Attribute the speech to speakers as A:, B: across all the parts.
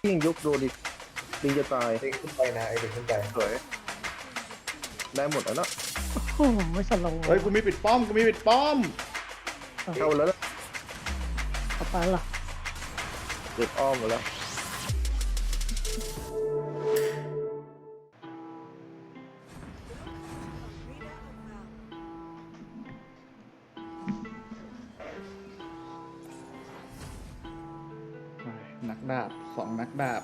A: ยิงยกโดดิลิงจะตาย
B: ดึงขึ้นไปนะไอ้ดึงขึ้นไป
A: สวยได้หมดแล้วเนาะ
C: โอ้โหไม่สโลว์
D: เฮ้ยกูมีปิดป้อมกูมีปิดป้อม
A: เข้าแล้วนะ
C: เอาไปล่ะ
A: เด็ดอ้อมหมดแล้ว
D: นักดาบ2 นักดาบ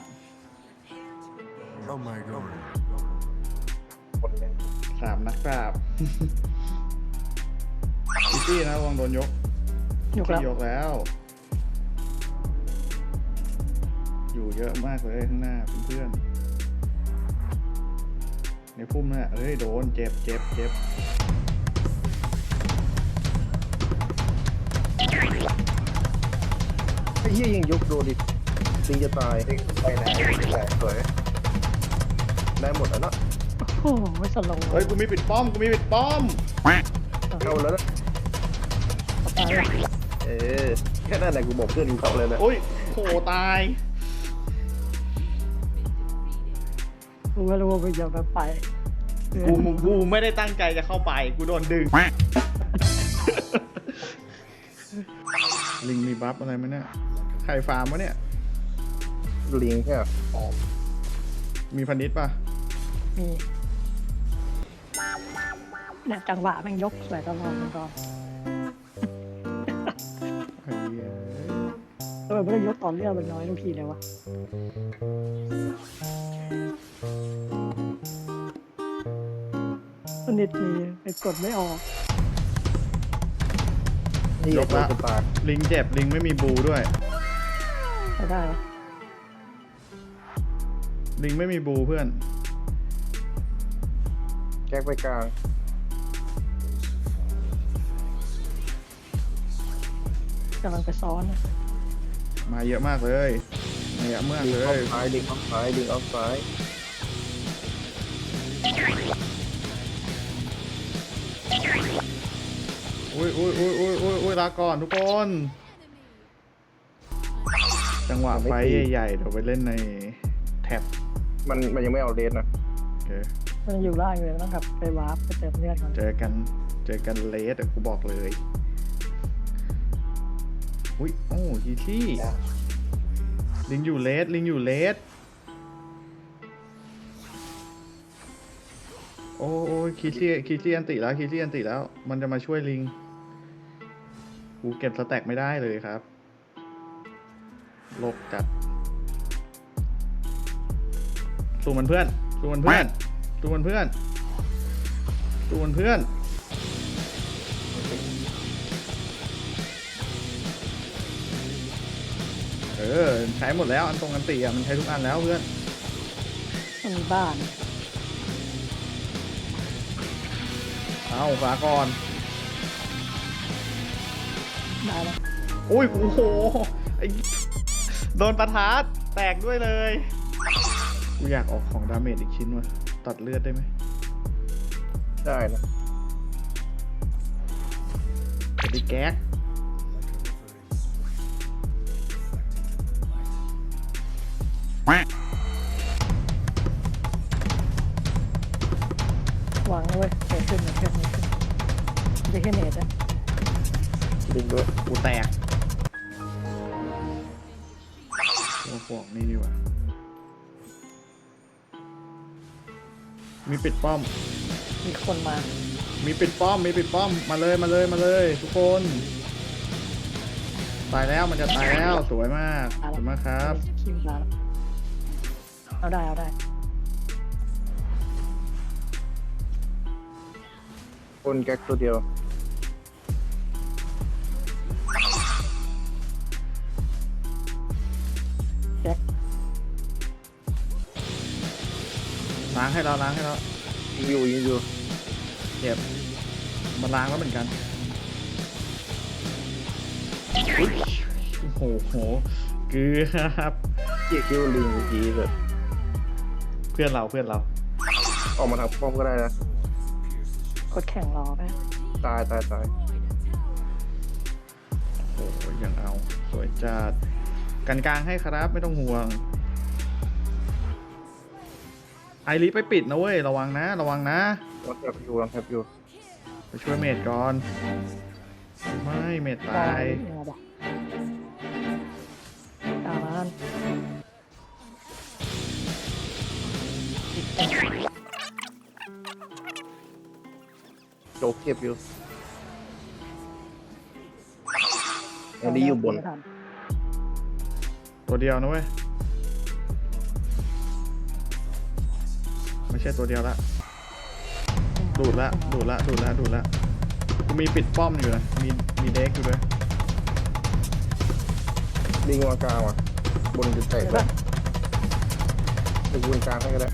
E: Oh my god.
B: คนหนึ่ง
D: 3 นักดาบ อีซี่นะวางโดนยก
C: ยกแล้ว
D: ยกแล้ว อยู่เยอะมากเลยข้างหน้าเพื่อนๆในพุ่มน่ะเอ้ยโดนเจ็บ
A: ไอ้เหี้ยยิงยกโดดิลิงจะตาย
B: ดึงขึ้นไปนะไอ้ดึงขึ้นไป
A: สวยได้หมดแล้วเนาะ
C: โอ้โหไม่สโลว์
D: เฮ้ยกูมีปิดป้อมกูมีปิดป้อม
A: เข้าแล้วนะ
C: เอาไปล่ะ
A: แค่นั้นแหละกูบอกเพื่อนกูเข้าเลยนะ
D: โอ้ยโหตาย
C: กูไม่รู้ว่ามึงจะไป
D: กูไม่ได้ตั้งใจจะเข้าไปกูโดนดึง ลิงมีบัฟอะไรไหมเนี่ยไข่ฟาร์มวะเนี่ย
A: ลิงแค่
D: มีพันนิดป่ะ
C: มีเนี่ยจังหวะแม่งยกสวยตลอดมันก่อน
D: ไอ้เหี้ย
C: ทำไมไม่ได้ยกตอนเลือดมันน้อยทุกทีเลยวะสนิทมีไปกดไม่ออก
A: นี่โดนจะตาย
D: ลิงเจ็บลิงไม่มีบูด้วย
C: ไม่ได้วะ
D: ลิงไม่มีบูเพื่อน
A: แก๊กไปกลาง
C: กำลังไปซ้อนนะ
D: มาเยอะมากเลยมาเยอะมาก
A: ลิง
D: เล
A: ออย ฟซ้ายลิงออฟซ้ายลิงออฟซ้าย
D: อุ้ยลาก่อนทุกคน จังหวะไฟใหญ่ๆเดี๋ยวไปเล่นในแท็บ
A: มันยังไม่เอาเลสนะ
D: โอเค
C: มันอยู่ล่างเลยต้องกลับไปวาร์ปไปเติมเลือดก่อน
D: เจอกันเลสกูบอกเลยอุ้ยโอ้ทีที่ลิงอยู่เลสโอ้ยคีซี่อันติแล้วมันจะมาช่วยลิงกูเก็บสแต็กไม่ได้เลยครับโลกจัดสู้มันเพื่อนใช้หมดแล้วอันตรงอันติอ่ะมันใช้ทุกอันแล้วเพื่อน
C: มันมีบ้าน
D: เอาฝาก่อน
C: ได้แล้ว
D: อุ้ยโอ้โหไอ้โดนประทัดแตกด้วยเลยกูอยากออกของดาเมจอีกชิ้นว่ะตัดเลือดได้ไหม
A: ได้นะ
D: จะได้แก๊ก
C: วางเอาไว้เกิดขึ้นจะแค่เนตนะ
A: ลิงด้วย
D: กูแตกตัวฟอกนี่ดีกว่ามีปิดป้อม
C: มีคนมา
D: มีปิดป้อมมาเลยทุกคนตายแล้วมันจะตายแล้วสวยมากครับ
C: คิวมาแล้วเอาได้
A: คนแก๊กตัวเดียว
C: แจ็ค
D: ล้างให้เรา
A: ยิงอยู่
D: เก็บมาล้างแล้วเหมือนกันโอ้โหเกือบ
A: เกี่ยคิวลิงเมื่อกี้แบบ
D: เพื่อนเรา
A: ออกมาทางป้อมก็ได้นะ
C: กดแข่งรอไป
A: ตาย
D: โอ้โหยังเอาสวยจัดกันกลางให้ครับไม่ต้องห่วงไอริไปปิดนะเว้ยระวังนะระวังนะ
A: ลองแทบอยู่ลองแทบอยู่
D: ไปช่วยเมดก่อนไม่เมดตาย
C: ยังไงบอกตามมัน
A: โจ๊กเก็บอยู่อันนี้อยู่บน
C: ไม่ทัน
D: ตัวเดียวนะเว้ยไม่ใช่ตัวเดียวละดูดละดูดละดูดละดูดละกูมีปิดป้อมอยู่นะมีเด็กอยู่ด้วย
A: ลิงวางกลางว่ะบนจะแตกแล้วเดี๋ยววนกลางให้ก็ได้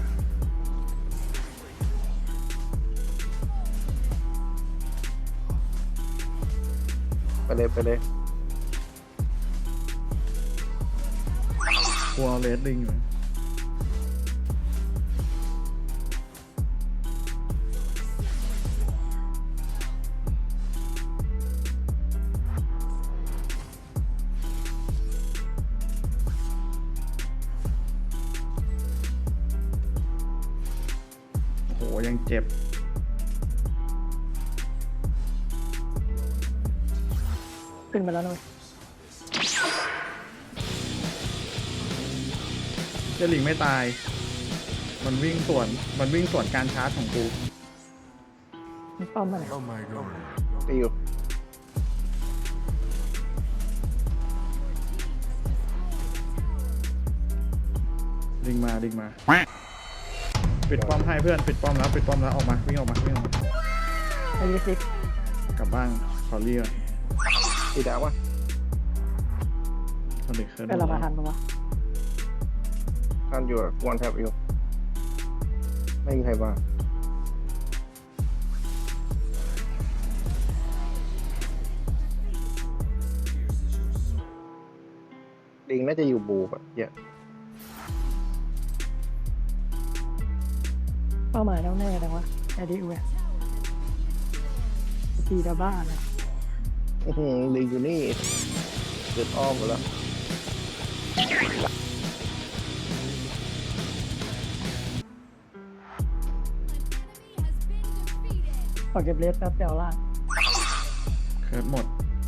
A: ไปเลยไปเลย
D: กูเอาเลสลิงอยู่นะโหยังเจ็บ
C: ขึ้นมาแล้วนะเว้ย
D: เจลิงไม่ตาย มันวิ่งสวนการชาร์จของกู
C: มันป้อมมาไหน
E: Oh my god.
A: ตีอยู่
D: ลิงมาปิดป้อมให้เพื่อนปิดป้อมแล้วปิดป้อมแล้วออกมาวิ่งออกมา
C: ไอ้ลิซิก
D: กลับบ้านขอเรียก
A: ตีดาววะ
D: คนเด็กเคย
C: เป็นเรามาทันปะวะ
A: ท่านอยู่วันแทบอยู่ไม่มีใครว่าลิงน่าจะอยู่บูแบบเยอะ
C: เป้าหมายแน่วแน่แต่ว่าไอ้ดิวเนี่ยตีดาบ้านะ
A: อื้อหือลิงอยู่นี่เกิดอ้อมหมดแล้ว
C: ขอเก็บเลสแป๊บเดียวล่าง
D: เคิร์ดหมด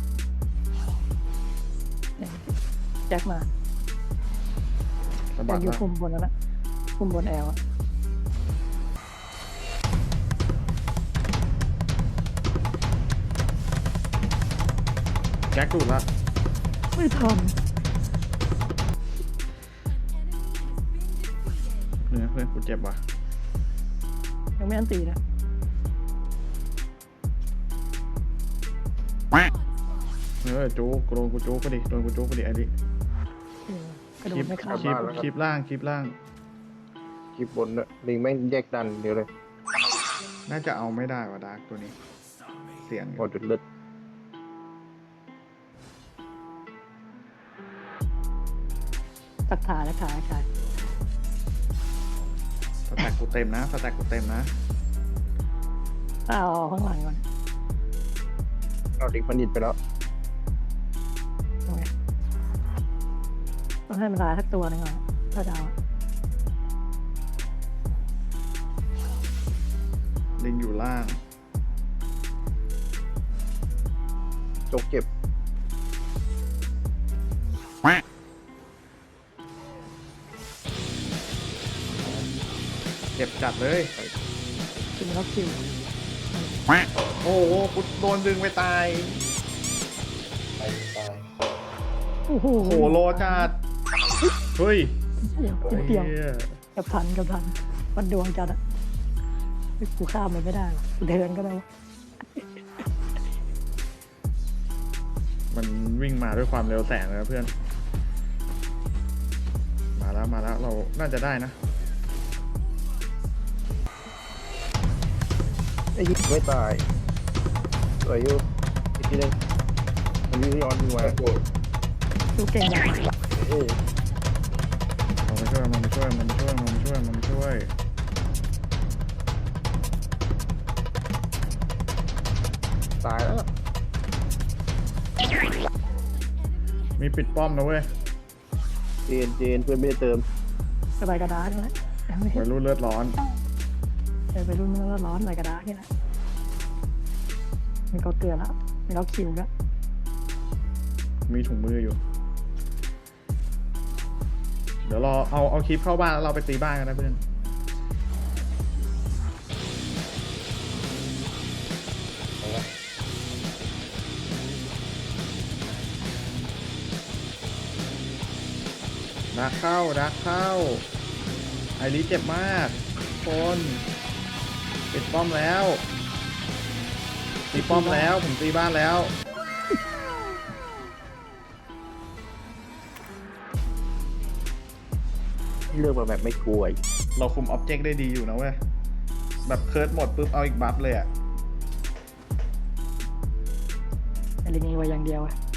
C: แจ็คมา
D: สะ
C: แจ็
D: บั
C: ค
D: ด
C: อยู่
D: ละ
C: คุมบนแล้วนะคุมบนแอลอะ
D: แก๊กดูดละ
C: ไม่ทัน
D: เนื้อเพื่อนกูเจ็บว่ะ
C: ยังไม่อันตีนะ
D: จู๊กโดนกูจู๊กไปดิโดนกูจู๊กไปดิไอ้ดิ
C: กระโดดไม่ข้าม
D: คลิปล่าง
A: คลิปบนด้วยลิงแม่งแยกดันเดียวเลย
D: น่าจะเอาไม่ได้ว่ะดาร์กตัวนี้ เสียง
A: หมดจุดเลือด
C: ตักขาและขา
D: สแต็กกูเต็มนะ
C: เอาข้างหลังก่อน
A: เอาลิงพันดิตไปแล้ว
C: โอเคต้องให้มันลายสักตัวหนึงก่อนถ้าจะเอา
D: ลิงอยู่ล่าง
A: จกเก็บ
D: เจ็บจัดเลย
C: คิวแล้วคิว
D: โอ้โหกูโดนดึงไปตาย
B: ตาย
C: โอ้โห
D: โหโลจัด เฮ้ย
C: เดี๋ยวเดียว
D: หี้ย
C: กับทันมันดวงจัดอะกูข้ามมันไม่ได้หรอกกูเดินก็ได้วะ
D: มันวิ่งมาด้วยความเร็วแสงเลยนะเพื่อน มาแล้วเราน่าจะได้นะ
A: ไอ้ยิงไม่ตายสวยอยู่อีกทีหนึงมันวิ่งย้อนยิงมา
B: แล้วกู
C: ดูเก่งจัง
A: เอ้ย
D: มันมาช่วย
A: ตายแล้ว
D: มีปิดป้อมนะเว้ย
A: เจนเพื่อนไม่ได้เติม
C: สบายกระดาษใช่ไหมไอ้
D: วัยรุ่นเลือดร้อน
C: ไปรุ่นมันร้อนอะไรกระดาษนี่แหละมันก็เกลือแล้วมันก็คิวแล้ว
D: มีถุงมืออยู่ เดี๋ยวรอเอาคลิปเข้าบ้านแล้วเราไปตีบ้านกันนะเพื่อนดักเข้าไอริเจ็บมากคนปิดป้อมแล้วตีป้อมแล้วผมตีบ้านแล้ว
A: เลือกมาแบบไม่กลัวอีก
D: เราคุมอ็อบเจกต์ได้ดีอยู่นะเว้ย แบบเคิร์ดหมดปุ๊บเอาอีกบัฟเลยอะ
C: ไอ้ลิงไว้อย่างเดียวอะ